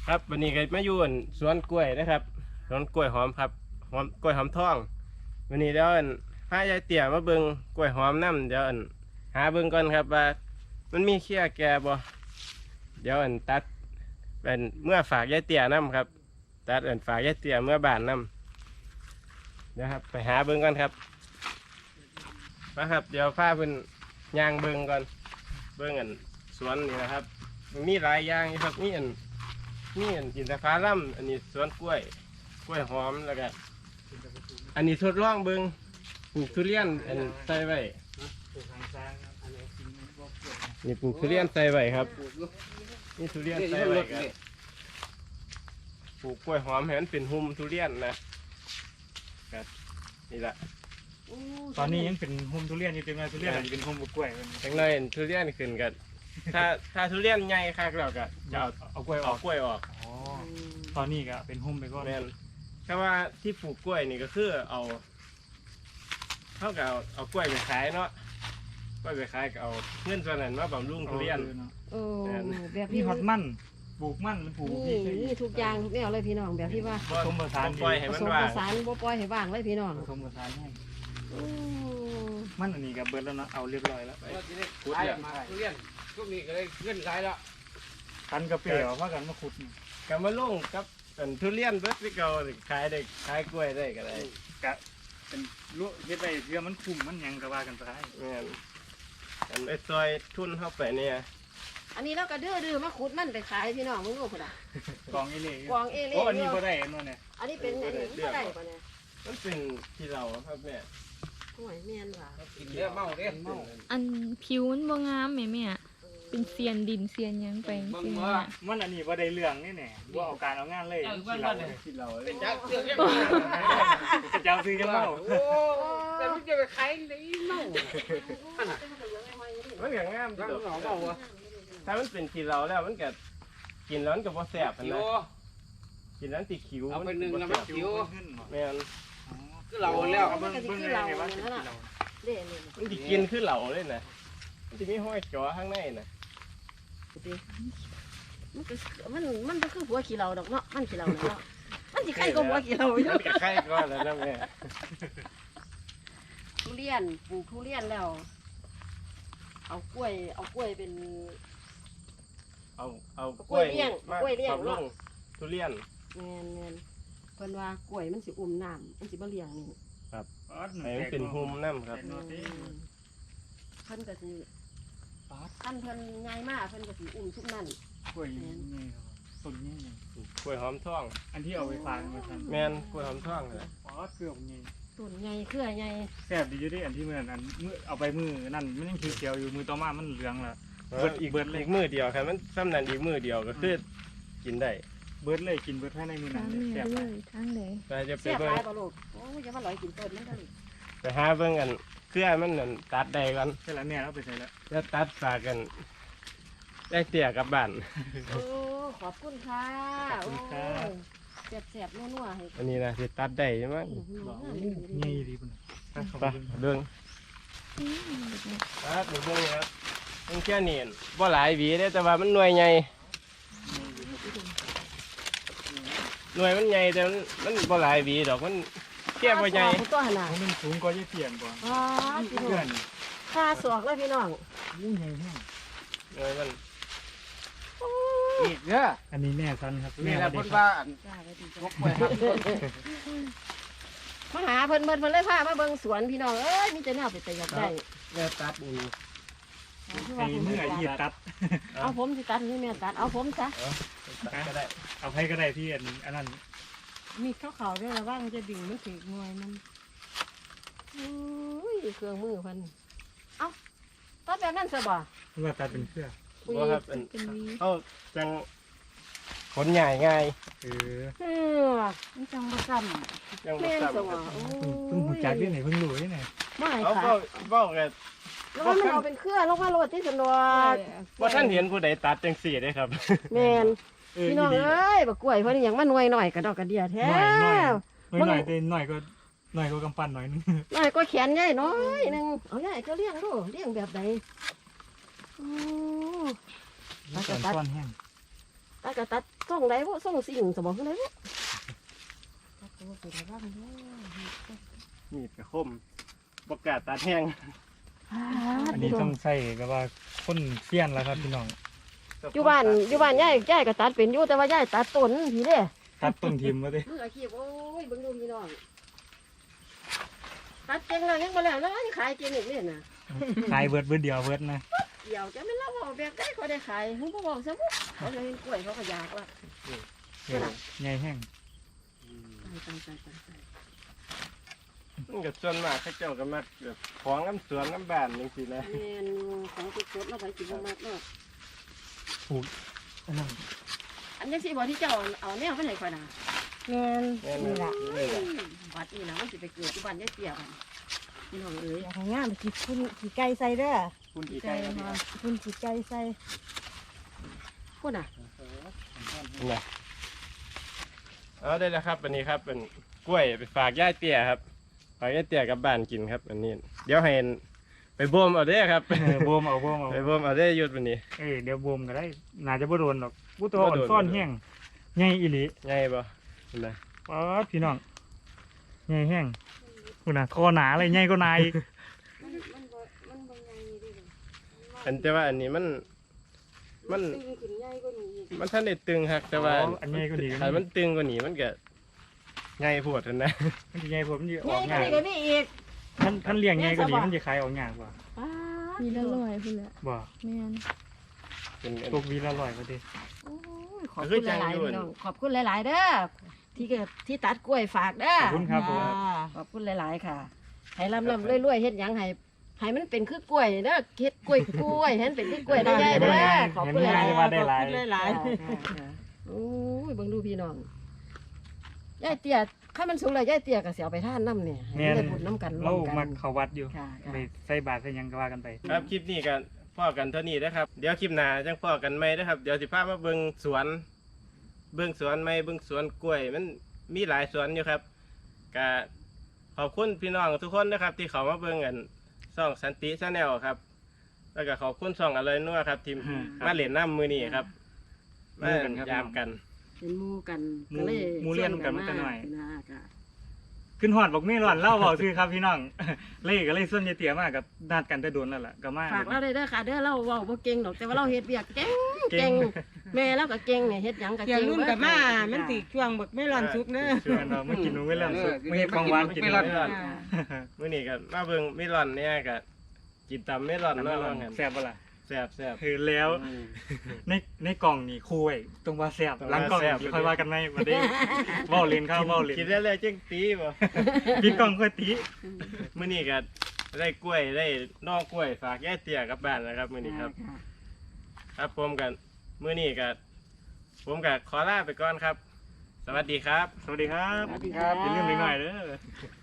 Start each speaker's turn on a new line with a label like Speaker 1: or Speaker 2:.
Speaker 1: ครับวันนี้ก็มาอยู่สวนกล้วยนะครับสวนกล้วยหอมครับกล้วยหอมทองวันนี้เดี๋ยวพายายเตี่ยมาเบิ่งกล้วยหอมน้ำเดี๋ยวหาเบิ่งก่อนครับว่ามันมีเขี้ยแก่บ่เดี๋ยวตัดเป็นเมื่อฝากยายเตี่ยน้ำครับตัดฝากยายเตี่ยเมื่อบ้านน้ำเดี๋ยวครับไปหาเบิ่งก่อนครับนะครับเดี๋ยวพาเพิ่นย่างเบิ่งก่อนเบิ่งสวนนี่นะครับมีหลายอย่างครับมีกินแต่ฟ้าล่ำอันนี้สวนกล้วยหอมแล้วก็อันนี้ทดลองเบิ่งปลูกทุเรียนใส่ไว้นี่ปลูกทุเรียนใส่ไว้ครับนี่ทุเรียนใส่ไว้ครับปลูกกล้วยหอมให้มันเป็นหุ่มทุเรียนนะครับนี่แหละ
Speaker 2: ตอนนี้ยังเป็นโฮมทุเรียนอยู่เต็มเลยทุเรียนเป็นโฮมบุกกล้วย
Speaker 1: จังเลยทุเรียนขึ้นกันถ้าทุเรียนใหญ่คักแล้วก็จะ
Speaker 2: เอากล้วยอ
Speaker 1: เอา
Speaker 2: อก
Speaker 1: กล้วยออก
Speaker 2: ตอนนี้ก็เป็นโฮมไปก่อน
Speaker 1: แม่นแต่ว่าที่ปลูกกล้วยนี่ก็คือเท่ากับเอากล้วยไปขายเนาะกล้วยไปขายก็เอาเงินส่วนนั้นมาบำรุงทุเรียน
Speaker 3: โอ้แบบ
Speaker 2: นี่
Speaker 3: ที่
Speaker 2: ฮอตมันปลูกมันปลูก
Speaker 3: นี่ทุกอย่างทุกแนวเลยพี่น้องแบบที่ว่า
Speaker 2: ผสมผสาน
Speaker 1: ปล่อยให้
Speaker 3: ผ
Speaker 1: มัน
Speaker 3: สม
Speaker 1: ว่า
Speaker 3: ผสานบ่ปล่อยให้ว่างเลยพี่น้อง
Speaker 2: ผสมผสานให้
Speaker 3: โอ้
Speaker 2: มันอันนี้กับเบิร์ดแล้วเนาะเอาเรียบร้อยแล้ว
Speaker 1: ขุดเนี่ย
Speaker 4: ทุเรียนช่วงนี้ก็เลยเงินหลายแล้ว
Speaker 2: กันกระเปียวว่ากันมาขุด
Speaker 1: ก็มาลงกับทุเรียนเบิดที่เก่าขายได้ขายกล้วยได้ก็ได้
Speaker 2: กะเป็นลุเฮ็ดไปเพื่อมันคุ้มมันยังก็ว่ากันไป
Speaker 1: แม่นไอ้ซอยทุนเข้าไปเนี่ย
Speaker 3: อันนี้เราก็ดื้อมาขุดมันไปขายพี่น้องมึงรู้พุ่นน่ะ
Speaker 2: กองเอเล่
Speaker 3: กวางเอเล่
Speaker 2: โอ้อันนี้ก็ได้อันนั้นเนี่ย
Speaker 3: อันนี้เป็นอันนี้บ่ได้ป่ะเนี่ย
Speaker 1: มันเป็นที่เราครับแม่
Speaker 3: ห่วยแม่นว่ะ
Speaker 4: กินเยอะเมาเด้เมา
Speaker 5: อันผิวมันบ่งามแม่เป็นเซียนดินเซียนหยังไปจริงๆน่ะ
Speaker 2: มันอันนี้ว่าได้เรื่องนี่แน่ว่าเอาการเอางานเลยที่เรา
Speaker 4: เป็นจักเรื่องเ
Speaker 2: จะเจ้าซื้อจะเมา
Speaker 4: โอ้แต่มึงจะไปขายในเมา
Speaker 1: มันก็งาม
Speaker 4: ตั้ง
Speaker 1: เด้อ
Speaker 4: หนอเมาวะ
Speaker 1: ถ้ามันเป็นที่เราแล้วมันก็กินแล้วมันก็บ่แซ่บ
Speaker 4: คิว
Speaker 1: นะกินแล้วติคิว
Speaker 4: เอาไปหนึ่งแล้ว
Speaker 1: บ่
Speaker 4: มัน
Speaker 1: แซ่บ
Speaker 4: คิว
Speaker 1: แม่น
Speaker 4: คือเราแล้ว
Speaker 2: เบิ่งเลยไงว่าสิเรา
Speaker 3: เด้นี่
Speaker 1: มันสิกินคือเหล่าเลยนะมันสิมีห้อยจ๋อข้างในน่ะ
Speaker 3: มันก็คือหัวขี้เราดอกเนาะมันขี้เราเนาะมันสิใครก็หัวขี้เราอยู่
Speaker 1: มันก็ไข่ก่อนแล้วนะแม่
Speaker 3: ทุเรียนปลูกทุเรียนแล้ว เอากล้วยเป็น
Speaker 1: เอา
Speaker 3: กล้วยเลี้ยง
Speaker 1: มาก
Speaker 3: ล้วยเลี้ยง
Speaker 1: ปรับลงทุเรียน
Speaker 3: แม่นเพิ่นว่ากล้วยมันสิอุ้มน้ำมันสิบ่เลี้ยงนี่
Speaker 1: ให้มันเป็นหุ่มน้ำครับ
Speaker 3: เพิ่นก็สิขั้นเพิ่นใหญ่มากเพิ่นก็สิอุ้มทุกนั่น
Speaker 2: กล้วยนี่ต้นนี้
Speaker 1: กล้วยหอมทอง
Speaker 2: อันที่เอาไปฝากมาทัน
Speaker 1: แม่นกล้วยหอมทองเลย
Speaker 2: อ๋อเกือบนี่
Speaker 3: ต้นใหญ่เครือใหญ่
Speaker 2: แซ่บดีอยู่ดิอันที่มือนั้นมือเอาไปมือนั่นมันยังเขียวอยู่มือต่อมามันเหลืองละ
Speaker 1: อีกมือเดียวครับมันซ้ำนั้นอีกมือเดียวก็คือกินได้
Speaker 2: เบิร์ดเลยกินเบิร์ดให้ในมือนั้
Speaker 5: ทาน ง
Speaker 2: แซ่
Speaker 5: แม่
Speaker 2: บ
Speaker 5: เลยทางไหน
Speaker 1: แต่จะไป
Speaker 3: เสียบ
Speaker 1: เบิ่
Speaker 3: ห
Speaker 1: ง
Speaker 3: ลายบ่ลูกโอ้ยอย่ามาลอยกินต้นมันเด้อลูก
Speaker 1: ไปหาเบิ่งกันเครือมันนั่นตัดได้กัน
Speaker 2: ใช่แล้วแม่เราไปใส่แล้ว
Speaker 1: จะตัดฝากกันได้เตี่ยกลับบ้าน
Speaker 3: โอ้ขอบคุณค่ะโอ้แซ่บๆนัวๆให้
Speaker 1: อันนี้นะที่ตัดได้ใช่ไหม
Speaker 2: นี่ดีปุ่น
Speaker 1: ไปเบิ่งตัดเบิ่งครับมันแค่นี้บ่หลายหวีได้แต่ว่ามันหน่วยใหญ่หน่วยมันใหญ่แต่มันบ่หลายหวีดอกมันแค่บ่ใหญ่
Speaker 3: ตัวหนา
Speaker 2: มันสูงกว่ายี่เตียนกว่า
Speaker 3: อ๋อพี่น้
Speaker 2: เพื่
Speaker 3: อ
Speaker 2: อง น
Speaker 3: ค่าสวกเลยพี่น้อง
Speaker 2: อู้ใหญ่แห้ง
Speaker 1: หน่วยมัน
Speaker 4: อีกเนี่ย
Speaker 2: อันนี้แม่ซันครับ
Speaker 4: นี่แหละคนว่าอัน
Speaker 3: จ้าไว้ดี
Speaker 4: พ
Speaker 3: จ้ะ
Speaker 4: กไปครับ
Speaker 3: มาหาเพิ่นเลยพามาเบิ่งสวนพี่น้องเอ้ยมีแต่แนวไปแต่อยากได้
Speaker 1: แม่ตัดนี่
Speaker 2: ไอ้เมื่อเหยียดตัด
Speaker 3: เอาผมสิตัดให้แม่ตัดเอาผมซะ
Speaker 1: ตัดก็ได้
Speaker 2: เอาให้ก็ได้ที่อันนั้น
Speaker 3: มีข้าวขาวด้วยระว่างจะดึงมันถึงหน่วยมันอุ้ยเครื่องมือเพิ่นเอ้าตัดแบบนั้นซะบ่
Speaker 2: เมื่อตัดเป็นเสื้อ
Speaker 1: บ่ครับเป็น
Speaker 5: เป็นวี
Speaker 1: เขาจังขนใหญ่ง่าย
Speaker 2: เออ
Speaker 3: เออมันจังบ่ซ้ำ
Speaker 1: ยังบ่
Speaker 3: แม่น
Speaker 1: ซ้ำ
Speaker 3: จังว่าโอ้
Speaker 2: เพิ่งหูจักที่ไหนเพิ่งรู้ที่ไหน
Speaker 3: ไม่
Speaker 1: เอา
Speaker 3: ค่ะ
Speaker 1: เว้ากัน
Speaker 3: แล้วว่ามันเอาเป็นเครือแล้วว่าโรดที่สนวก
Speaker 1: ว่าท่านเห็นผู้ใดตัดจังสี่ได้ครับ
Speaker 3: แม่นพี่น้องเอ้ยบักกล้วยเพิ่นหยังมาหน่วยหน่อยกระดอกกระเดียแท้
Speaker 2: หน่อยเต้นหน่อยก็กำปั้นหน่อยนึง
Speaker 3: หน่อยก็แขนใหญ่น้อยหนึงเอาใหญ่ก็เลี้ยงดูเลี้ยงแบบใดโอ้
Speaker 2: ตอนซ่อนแห้ง
Speaker 3: ตตัดก็ตัดส่งได้บ่ส่งสิ่งสมองได้บ่ตัดตัวเป็นระวังเด้อ
Speaker 1: มีดกระคมบกล้าตัดแห้ง
Speaker 2: อันนี้ต้องใส่แบบว่าคนเสี้ยนแล้วครับพี่น้อง
Speaker 3: อยู่บ้านยายก็ตัดเป็นอยู่แต่ว่ายายตัดต้นผีเด้
Speaker 2: ตัดต้นทิมมาดิ
Speaker 3: มืออาชีพโอ้ยเบิ่งดูพี่น้องตัดเก่งแล้วยังบ่แล้วแล้วขายเก่งอีกเนี่ยน่ะ
Speaker 2: ขายเบิดเดียวเบิดนะ
Speaker 3: เดี๋ยวจะไม่เล่าว่าแบบได้เขาได้ขายเพิ่นบ่บอกซะบ่เขาเลยเห็นกล้วยเขาก็อยากว่า
Speaker 2: ใหญ่แห้ง
Speaker 3: ตาย
Speaker 1: มันก็ส่วนมากเขาเจ้าก็มักแบบของน้ำสวนน้ำบ้านจังซี่นะ
Speaker 3: แม่นของสดๆแล้วไปสิบ่มากเนาะ
Speaker 2: อันนั้น
Speaker 3: อันนี้สิบ่ที่เจ้าเอาแนวไปให้ข่อยน่ะ
Speaker 6: แม่น
Speaker 1: แม่น
Speaker 6: นี่
Speaker 1: บ่
Speaker 6: ล่ะ
Speaker 1: นี่ล่ะ
Speaker 3: บัดนี้นะมันสิไปเกิดที่บ้านยายเตี้ยบัดพี่น้องเอ้ย
Speaker 6: อยากให้งามสิคุณสิไก่ใส่เด้อ
Speaker 1: คุณกี่ไก่ครับ
Speaker 6: คุณสิไก่ใส่
Speaker 3: พูดน่ะ
Speaker 1: นี่เอาได้แล้วครับอันนี้ครับเป็นกล้วยไปฝากย่าเตี้ยครับฝากย่าเตี้ยกลับบ้านกินครับอันนี้เดี๋ยวให้ไปบ่มเอาเด้อครับ
Speaker 2: บวมเอาบวมเอา
Speaker 1: ไปบ่มเอาเด้อหยุดวันนี้
Speaker 2: เดี๋ยวบวมก็ได้น่าจะบ่โดนหรอกผู้ตัวอ่อนซ่อนแห้งใหญ่อีหลี
Speaker 1: ไงบ่นั่นนะ
Speaker 2: ป๊าดพี่น้องใหญ่แห้งคุณน่ะคอหนาเลยใหญ่ก็นายอีก
Speaker 3: มันบ่ใหญ่ดิ
Speaker 1: อันแต่ว่าอันนี้มัน
Speaker 3: ตึงขึ้นใหญ่กว่านี้อีก
Speaker 1: มันท่านได้ตึงครับแต่ว่า
Speaker 2: อันใหญ่ก็ดี
Speaker 1: ถ้ามันตึงกว่านี้มันก็ไงปวดนั่นนะ
Speaker 2: มันจะใหญ่ผมมันจะอ
Speaker 3: ใหญ่
Speaker 2: อก
Speaker 3: กว่า
Speaker 2: ง่าย
Speaker 3: นี้ก็นี่อีก
Speaker 2: ท่านเลี้ยงใหญ่ก็ดีมันจะขายออกง่ายกว่า
Speaker 5: มีละร้อยพุ่นแหละ
Speaker 2: บ่
Speaker 5: แม่น
Speaker 1: เป็นอัน
Speaker 2: ตกวีละร้อยก็ดี
Speaker 3: โอ้ยขอบคุณหลายๆพี่น้องขอบคุณหลายๆเด้อที่ตัดกล้วยฝากเด้อ
Speaker 2: ขอบคุณครับผม
Speaker 3: ขอบคุณหลายๆค่ะให้ลำๆรวยๆเฮ็ดหยังให้มันเป็นคือกล้วยเด้อเฮ็ดกล้วยให้มันเป็นคือกล้วยได้ใหญ่เด้อขอบคุณหลายๆ
Speaker 2: ว่าได้หลาย
Speaker 6: หลาย
Speaker 3: โอ้ยเบิ่งดูพี่น้องยายเตี้ยข้ามันสูงเลยยายเตี้ยก็สิเอาไปท่านน้ำเนี่ยให้มันได้บุญน้ำกัน
Speaker 2: เรา
Speaker 3: ร่วมกั
Speaker 2: มาน เข้าวัดอยู่
Speaker 3: ค่ะ
Speaker 2: ไปใส่บาตรใส่หยังก็ว่ากันไป
Speaker 1: ครับคลิปนี้กันพ่อกันเท่านี้นะครับเดี๋ยวคลิปหน้าจังพ่อกันไหมนะครับเดี๋ยวสิพามาเบิ่งสวนไหมเบิ่งสวนกล้วยมันมีหลายสวนอยู่ครับก็ขอบคุณพี่น้องทุกคนนะครับ ที่เขามาเบิ่งกันช่องสันติชาแนลครับ แล้วก็ขอบคุณช่องอร่อยนัวครับทีมมาเล่นน้ำมือนี้ครับมายามกัน
Speaker 3: เป็นหมู่กัน
Speaker 2: หมู่
Speaker 3: ก็เลย
Speaker 2: หมู่เรียนกันมาแต่น้อย
Speaker 3: นะค่ะ
Speaker 2: ขึ้นหอดบอกไม่ร้อนเล่าเบาซื้อครับพี่น้อง เล่ก็เลยส่วนยายเตี๋ยมากกับนัดกันแต่โดนแล้วล่ะก็มา
Speaker 3: ฝากเราได้เด้อค่ะเด้อเราเว้าบ่เก่งดอกแต่ว่าเราเฮ็ดเวียกเก่ง
Speaker 2: เก่
Speaker 3: เก่
Speaker 2: ง
Speaker 3: งแม่เราก็เก่งเนี่ยเฮ็ดหยังก็
Speaker 6: เกี่ย
Speaker 3: เก่
Speaker 6: ว
Speaker 3: ง
Speaker 6: รุ่นกับมามันสิช่วงบักไม่ร้อนสุกเด้อ
Speaker 2: ชวนเราไม่กินหนูไม่เล่นสุดไม่ให้ของหวานกิน
Speaker 4: ไม่
Speaker 2: ไม่
Speaker 4: ร้
Speaker 2: ร้
Speaker 4: อ
Speaker 2: อน น
Speaker 1: มื้อนี้ก็มาเบิ่งเมลอนเนี่ยก็กินตำเมลอนเนาะว่างั้น
Speaker 2: แซ่บปะล่ะ
Speaker 1: แซ่บ
Speaker 2: คือแล้วในกล่องนี่คู่ไว้ตรงว่าแซ่บหลังกล่องนี่ค่อยว่ากันไหมมาได้เว้าเล่นข้าวเว้าเล่น
Speaker 1: กินได้เลยจังตีบ่
Speaker 2: พี่กล่องค่อยตี
Speaker 1: มื้อนี้ก็ได้กล้วยได้นอกกล้วยฝากยายเตี้ยกลับบ้านนะครับมื้อนี้ครับ ครับผมกันมื้อนี้ก็ผมก็ขอลาไปก่อนครับ สวัสดีครับ
Speaker 2: สวัสดีครับ
Speaker 3: สวัสดีครับ
Speaker 2: อย่าลืมหน่อยๆเด้อ